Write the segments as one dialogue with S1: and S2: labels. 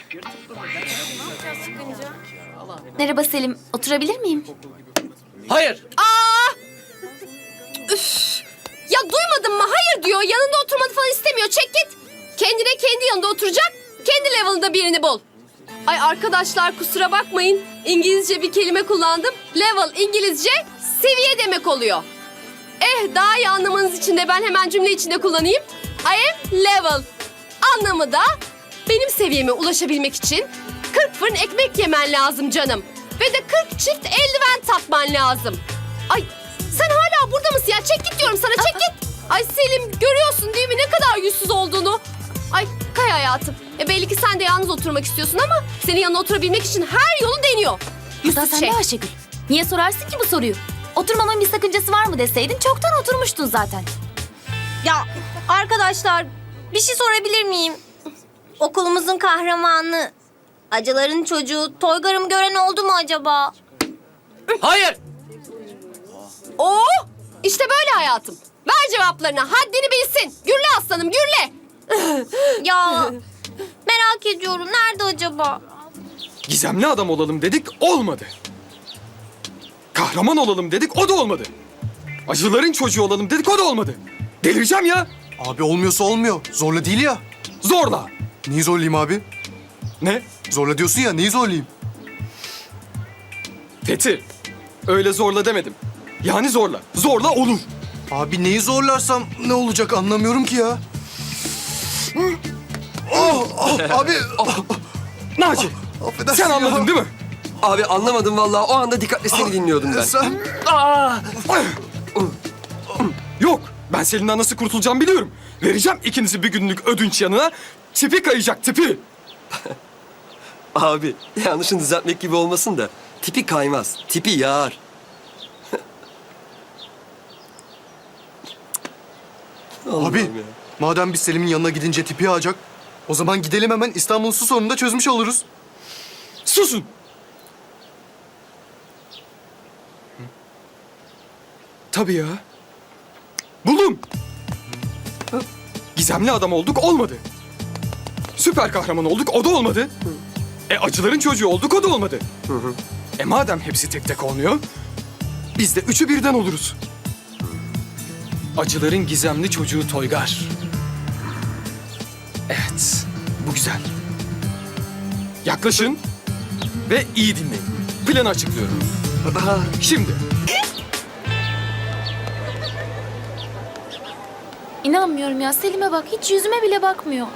S1: Merhaba Selim, oturabilir miyim?
S2: Hayır.
S3: Ya duymadın mı? Hayır diyor. Yanında oturmanı falan istemiyor. Çek git. Kendine kendi yanında oturacak. Kendi level'ında birini bul. Ay arkadaşlar kusura bakmayın. İngilizce bir kelime kullandım. Level İngilizce seviye demek oluyor. Daha iyi anlamanız için de ben hemen cümle içinde kullanayım. I am level. Anlamı da benim seviyeme ulaşabilmek için 40 fırın ekmek yemen lazım canım. Ve de 40 çift eldiven takman lazım. Ay sen hala burada mısın ya? Çek git diyorum sana, çek git. Ay Selim görüyorsun değil mi ne kadar yüzsüz olduğunu? Ay Kay hayatım. Belli ki sen de yalnız oturmak istiyorsun ama senin yanına oturabilmek için her yolu deniyor.
S1: Da
S3: Yüzsüz
S1: sen
S3: şey.
S1: de Ayşegül. Niye sorarsın ki bu soruyu? Oturmamın bir sakıncası var mı deseydin çoktan oturmuştun zaten.
S4: Ya arkadaşlar bir şey sorabilir miyim? Okulumuzun kahramanı, acıların çocuğu Toygar'ım gören oldu mu acaba?
S2: Hayır.
S3: Oo, işte böyle hayatım. Ver cevaplarını, haddini bilsin. Gürle aslanım, gürle.
S4: Ya merak ediyorum nerede acaba?
S5: Gizemli adam olalım dedik, olmadı. Kahraman olalım dedik, o da olmadı. Acıların çocuğu olalım dedik, o da olmadı. Delireceğim ya.
S6: Abi olmuyorsa olmuyor. Zorla değil ya.
S5: Zorla.
S6: Neyi zorlayayım abi?
S5: Ne?
S6: Zorla diyorsun ya, neyi zorlayayım?
S5: Fethi, öyle zorla demedim. Yani zorla. Zorla olur.
S6: Abi neyi zorlarsam ne olacak anlamıyorum ki ya. Abi.
S5: Naci,
S6: Affedersin
S5: sen anladın
S6: ya.
S5: değil mi?
S2: Abi anlamadım vallahi. O anda dikkatle seni dinliyordum ben.
S6: Sen
S5: Yok, ben Selin'den nasıl kurtulacağım biliyorum. Vereceğim ikinizi bir günlük ödünç yanına. Tipi kayacak, tipi.
S2: Abi yanlışını düzeltmek gibi olmasın da tipi kaymaz. Tipi yağar.
S6: abi
S2: Allah'ım ya.
S6: madem biz Selim'in yanına gidince tipi yağacak, o zaman gidelim hemen İstanbul su sorununu da çözmüş oluruz.
S5: Susun. Tabii ya. Buldum. Gizemli adam olduk, olmadı. Süper kahraman olduk, o da olmadı. Acıların çocuğu olduk, o da olmadı. Madem hepsi tek tek olmuyor, biz de üçü birden oluruz. Acıların gizemli çocuğu Toygar. Evet, bu güzel. Yaklaşın ve iyi dinleyin. Planı açıklıyorum. Şimdi
S1: İnanmıyorum ya, Selim'e bak, hiç yüzüme bile bakmıyor.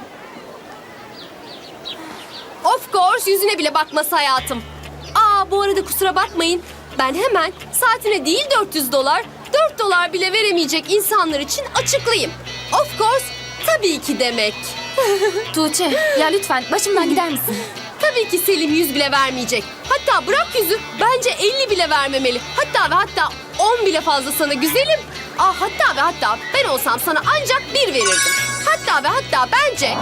S3: Of course yüzüne bile bakması hayatım. Bu arada kusura bakmayın. Ben hemen saatine değil 400 dolar, 4 dolar bile veremeyecek insanlar için açıklayayım. Of course tabii ki demek.
S1: Tuğçe, ya lütfen başımdan gider misin?
S3: Tabii ki Selim 100 bile vermeyecek. Hatta bırak 100'ü bence 50 bile vermemeli. Hatta ve hatta 10 bile fazla sana güzelim. Hatta ve hatta ben olsam sana ancak 1 verirdim. Hatta ve hatta bence...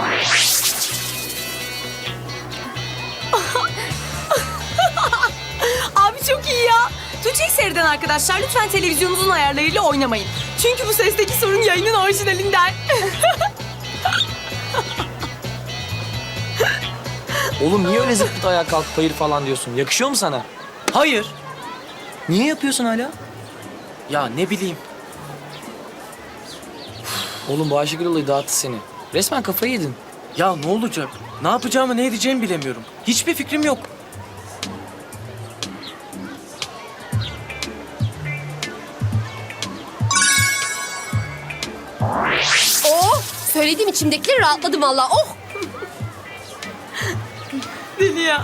S7: Abi çok iyi ya. Tuğçe'yi seyreden arkadaşlar lütfen televizyonunuzun ayarlarıyla oynamayın. Çünkü bu sesteki sorun yayının orijinalinden.
S8: Oğlum niye öyle zıplıt ayağa kalkıp hayır falan diyorsun? Yakışıyor mu sana?
S2: Hayır.
S8: Niye yapıyorsun hala? Ya ne bileyim. Oğlum bu Ayşegül olayı dağıttı seni. Resmen kafayı yedin.
S9: Ya ne olacak? Ne yapacağımı ne edeceğimi bilemiyorum. Hiçbir fikrim yok.
S3: Söylediğim içimdekileri rahatladım valla. Oh!
S7: Deli ya.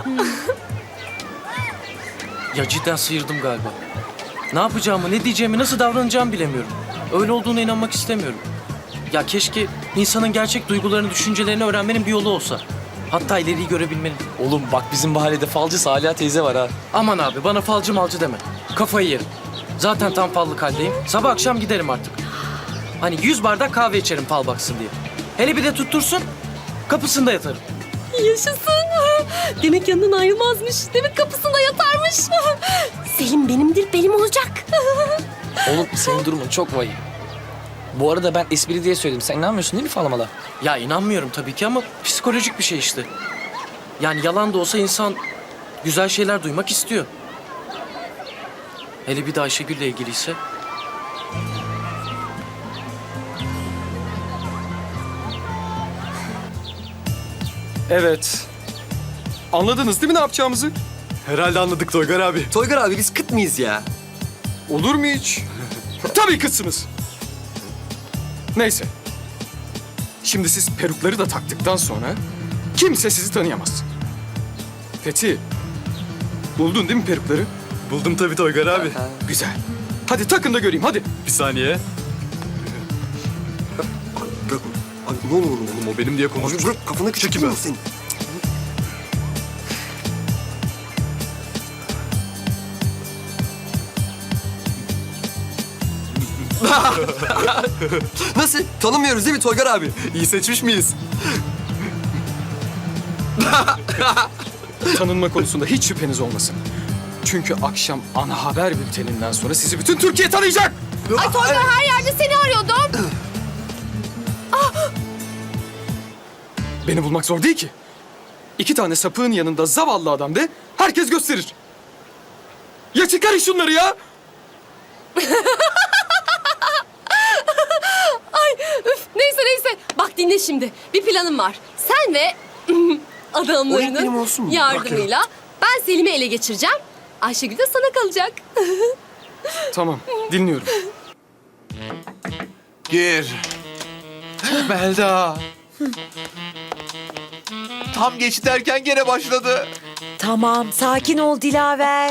S9: Ya cidden sıyırdım galiba. Ne yapacağımı, ne diyeceğimi, nasıl davranacağımı bilemiyorum. Öyle olduğuna inanmak istemiyorum. Ya keşke insanın gerçek duygularını, düşüncelerini öğrenmenin bir yolu olsa. Hatta ileriyi görebilmenin.
S8: Oğlum bak bizim mahallede falcı Salih teyze var ha.
S9: Aman abi bana falcı malcı deme. Kafayı yerim. Zaten tam fallık haldeyim. Sabah akşam giderim artık. Hani 100 bardak kahve içerim fal baksın diye. Hele bir de tuttursun, kapısında yatarım.
S3: Yaşasın. Demek yanından ayrılmazmış. Demek kapısında yatarmış. Selim benimdir, benim olacak.
S8: Oğlum senin durumun çok vahim. Bu arada ben espri diye söyledim. Sen inanmıyorsun değil mi falamalar?
S9: Ya inanmıyorum tabii ki ama psikolojik bir şey işte. Yani yalan da olsa insan güzel şeyler duymak istiyor. Hele bir de Ayşegül'le ilgiliyse.
S5: Evet. Anladınız değil mi ne yapacağımızı?
S6: Herhalde anladık Toygar abi.
S2: Toygar abi biz kıt mıyız ya?
S5: Olur mu hiç? Tabii kızsınız. Neyse. Şimdi siz perukları da taktıktan sonra kimse sizi tanıyamaz. Fethi, buldun değil mi perukları?
S6: Buldum tabii Toygar abi.
S5: Güzel. Hadi takın da göreyim hadi.
S6: Bir saniye.
S2: Bırak. Abi ne olur oğlum?
S6: Oğlum o benim diye
S2: Abi
S6: konuşmuş.
S2: bırak kafanı
S6: Çekil ben.
S2: senin. Nasıl? Tanımıyoruz değil mi Toygar abi?
S6: İyi seçmiş miyiz?
S5: Tanınma konusunda hiç şüpheniz olmasın. Çünkü akşam ana haber bülteninden sonra sizi bütün Türkiye tanıyacak.
S3: Ay Toygar her yerde seni arıyordum.
S5: Beni bulmak zor değil ki. 2 tane sapığın yanında zavallı adam de herkes gösterir. Ya çıkarın şunları ya.
S3: Neyse. Bak dinle şimdi. Bir planım var. Sen ve
S2: O ilk benim
S3: adamlarının
S2: olsun mu?
S3: yardımıyla ben Selim'i ele geçireceğim. Ayşegül de sana kalacak.
S5: Tamam, dinliyorum.
S10: Gir. Melda. Tam geç derken gene başladı.
S11: Tamam, sakin ol Dilaver.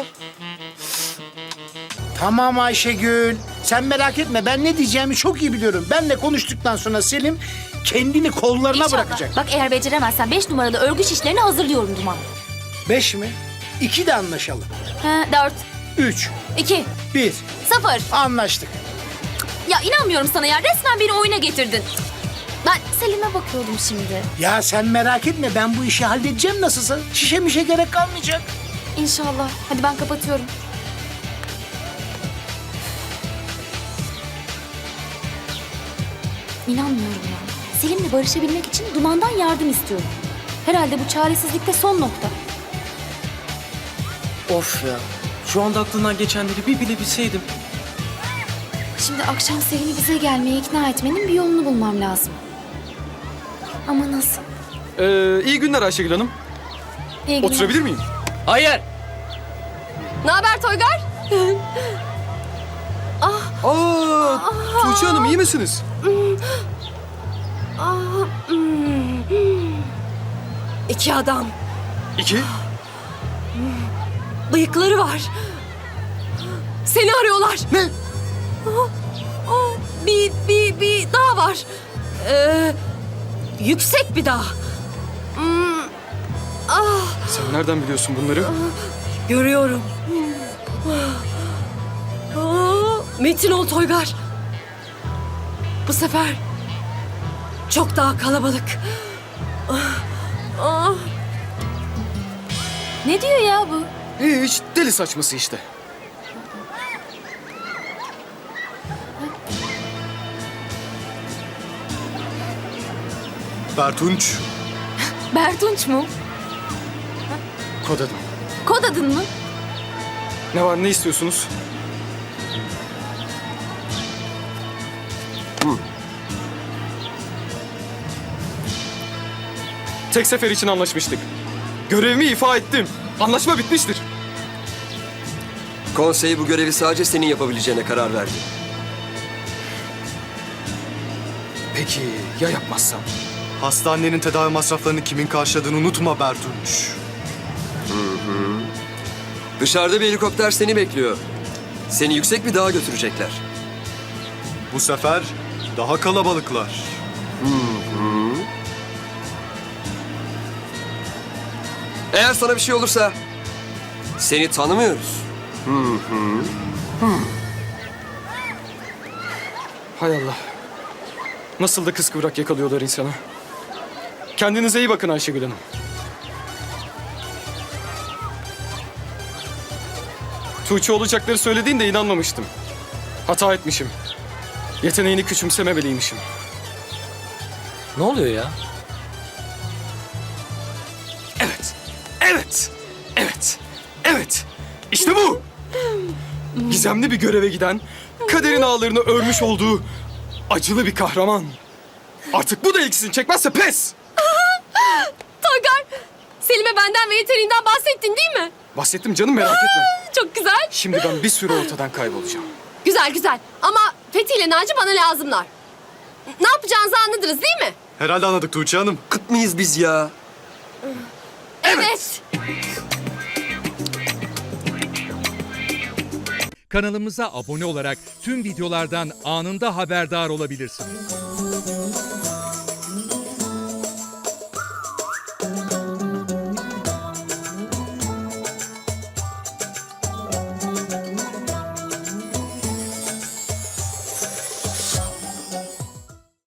S12: Tamam Ayşegül. Sen merak etme. Ben ne diyeceğimi çok iyi biliyorum. Benle konuştuktan sonra Selim kendini kollarına bırakacak.
S1: Bak eğer beceremezsen 5 numaralı örgü şişlerini hazırlıyorum Duman.
S12: 5 mi? 2 de anlaşalım.
S1: 4,
S12: 3,
S1: 2,
S12: 1.
S1: 0.
S12: Anlaştık.
S1: Ya inanmıyorum sana ya. Resmen beni oyuna getirdin. Ben Selim'e bakıyordum şimdi.
S12: Ya sen merak etme. Ben bu işi halledeceğim nasılsa. Şişe mişe gerek kalmayacak.
S1: İnşallah. Hadi ben kapatıyorum. İnanmıyorum ya. Selim'le barışabilmek için Duman'dan yardım istiyorum. Herhalde bu çaresizlikte son nokta.
S9: Of ya. Şu anda aklından geçenleri bir bile bilseydim.
S1: Şimdi akşam Selim'i bize gelmeye ikna etmenin bir yolunu bulmam lazım. Ama nasıl?
S5: İyi günler Ayşegül Hanım.
S1: İyi günler.
S5: Oturabilir miyim?
S9: Hayır.
S3: Ne haber Toygar?
S5: Tuğçe Hanım iyi misiniz?
S3: İki adam.
S5: 2.
S3: Bıyıkları var. Seni arıyorlar.
S5: Ne?
S3: Bir dağ var. Yüksek bir dağ.
S5: Sen nereden biliyorsun bunları?
S3: Görüyorum. Metin ol Toygar. Bu sefer çok daha kalabalık.
S1: Ne diyor ya bu?
S5: Hiç deli saçması işte.
S6: Bertunç.
S1: Bertunç mu?
S5: Kod adım.
S1: Kod adın mı?
S5: Ne var ne istiyorsunuz? Tek sefer için anlaşmıştık. Görevimi ifa ettim. Anlaşma bitmiştir.
S2: Konsey bu görevi sadece senin yapabileceğine karar verdi.
S5: Peki ya yapmazsam?
S6: Hastanenin tedavi masraflarını kimin karşıladığını unutma Bertunç.
S2: Dışarıda bir helikopter seni bekliyor. Seni yüksek bir dağa götürecekler.
S6: Bu sefer daha kalabalıklar.
S2: Eğer sana bir şey olursa seni tanımıyoruz.
S5: Hay Allah. Nasıl da kıskıvrak yakalıyorlar insanı. Kendinize iyi bakın Ayşegül Hanım. Tuğçe olacakları söylediğinde inanmamıştım. Hata etmişim. Yeteneğini küçümsememeliymişim.
S8: Ne oluyor ya?
S5: Evet, evet, evet, evet. İşte bu. Gizemli bir göreve giden, kaderin ağlarını örmüş olduğu acılı bir kahraman. Artık bu da ilgisini çekmezse pes.
S3: Toygar, Selim'e benden ve yeteneğinden bahsettin değil mi?
S5: Bahsettim canım, merak etme.
S3: Çok güzel.
S5: Şimdi ben bir süre ortadan kaybolacağım.
S3: Güzel güzel. Ama Fethi ile Naci bana lazımlar. Ne yapacağınızı anladınız değil mi?
S6: Herhalde anladık Tuğçe Hanım.
S2: Kıt mıyız biz ya?
S3: Evet.
S13: Kanalımıza abone olarak tüm videolardan anında haberdar olabilirsiniz.